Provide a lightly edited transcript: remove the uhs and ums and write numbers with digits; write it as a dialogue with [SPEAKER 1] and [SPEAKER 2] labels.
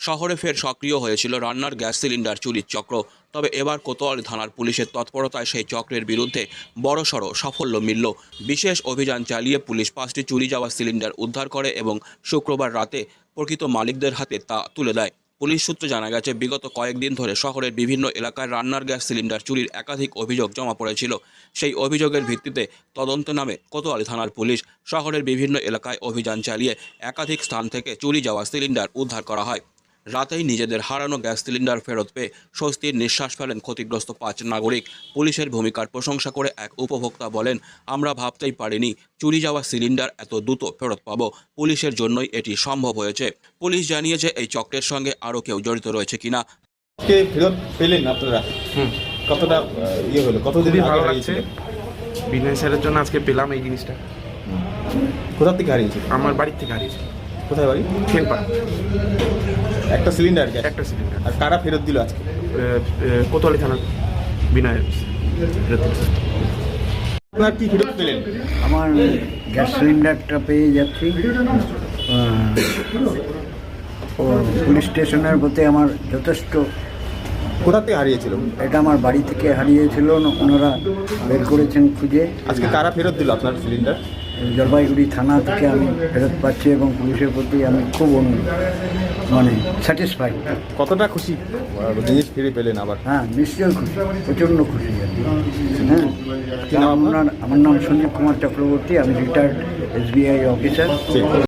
[SPEAKER 1] শহরে ফের সক্রিয় হয়েছিল রান্নার গ্যাস সিলিন্ডার চুরির চক্র। তবে এবার কোতোয়ালি থানার পুলিশের তৎপরতায় সেই চক্রের বিরুদ্ধে বড়সড় সাফল্য মিলল। বিশেষ অভিযান চালিয়ে পুলিশ 5টি চুরি যাওয়া সিলিন্ডার উদ্ধার করে এবং শুক্রবার রাতে প্রকৃত মালিকদের হাতে তা তুলে দেয়। পুলিশ সূত্রে জানা গেছে, বিগত কয়েকদিন ধরে শহরের বিভিন্ন এলাকায় রান্নার গ্যাস সিলিন্ডার চুরির একাধিক অভিযোগ জমা পড়েছিল। সেই অভিযোগের ভিত্তিতে তদন্ত নামে কোতোয়ালি থানার পুলিশ শহরের বিভিন্ন এলাকায় অভিযান চালিয়ে একাধিক স্থান থেকে চুরি যাওয়া সিলিন্ডার উদ্ধার করা হয়। রাতেই নিজেদের হারানো গ্যাস সিলিন্ডার ফেরত পেয়ে স্বস্তির নিঃশ্বাস ফেলেন ক্ষতিগ্রস্ত 5 নাগরিক। পুলিশের ভূমিকার প্রশংসা করে এক উপভোক্তা বলেন, আমরা ভাবতেই পারিনি চুরি যাওয়া সিলিন্ডার এত দ্রুত ফেরত পাবো। পুলিশের জন্যই এটি সম্ভব হয়েছে। পুলিশ জানিয়েছে এই চক্রের সঙ্গে আরও কেউ জড়িত রয়েছে কিনা।
[SPEAKER 2] কে ফেরত পেলেন আপনারা? কতটা হলো, কতদিন
[SPEAKER 3] ভালো
[SPEAKER 2] আগে
[SPEAKER 3] লাগছে।
[SPEAKER 2] হারিয়েছিল?
[SPEAKER 3] বিজনেস এর জন্য আজকে পেলাম এই জিনিসটা।
[SPEAKER 2] কোথা থেকে হারিয়েছিল?
[SPEAKER 3] আমার বাড়ির থেকে হারিয়েছে।
[SPEAKER 2] কোথায় বাড়ি?
[SPEAKER 3] খেলপা।
[SPEAKER 2] একটা সিলিন্ডার গ্যাস?
[SPEAKER 3] একটা সিলিন্ডার।
[SPEAKER 2] আর কারা ফেরত দিল আজকে?
[SPEAKER 3] কোতোয়ালি থানার বিনয় ফেরত দিয়েছে।
[SPEAKER 2] আপনারা কি ফেরত পেলেন?
[SPEAKER 4] আমার গ্যাস সিলিন্ডারটা পেয়ে যাচ্ছি। ও পুলিশ স্টেশনের প্রতি আমার যথেষ্ট।
[SPEAKER 2] কোথা থেকে হারিয়েছিল?
[SPEAKER 4] এটা আমার বাড়ি থেকে হারিয়েছিল, ওনারা বের করেছেন খুঁজে।
[SPEAKER 2] আজকে কারা ফেরত দিল আপনার সিলিন্ডার?
[SPEAKER 4] জলপাইগুড়ি থানা থেকে আমি ফেরত পাচ্ছি এবং পুলিশের প্রতি আমি খুব স্যাটিসফাইড।
[SPEAKER 2] কতটা খুশি জিনিস ফিরে পেলেন আবার?
[SPEAKER 4] হ্যাঁ, নিশ্চয়ই খুশি, প্রচণ্ড খুশি আর কি। হ্যাঁ,
[SPEAKER 2] কি নাম আপনার?
[SPEAKER 4] আমার নাম সঞ্জীব কুমার চক্রবর্তী, আমি রিটায়ার্ড SBI অফিসার।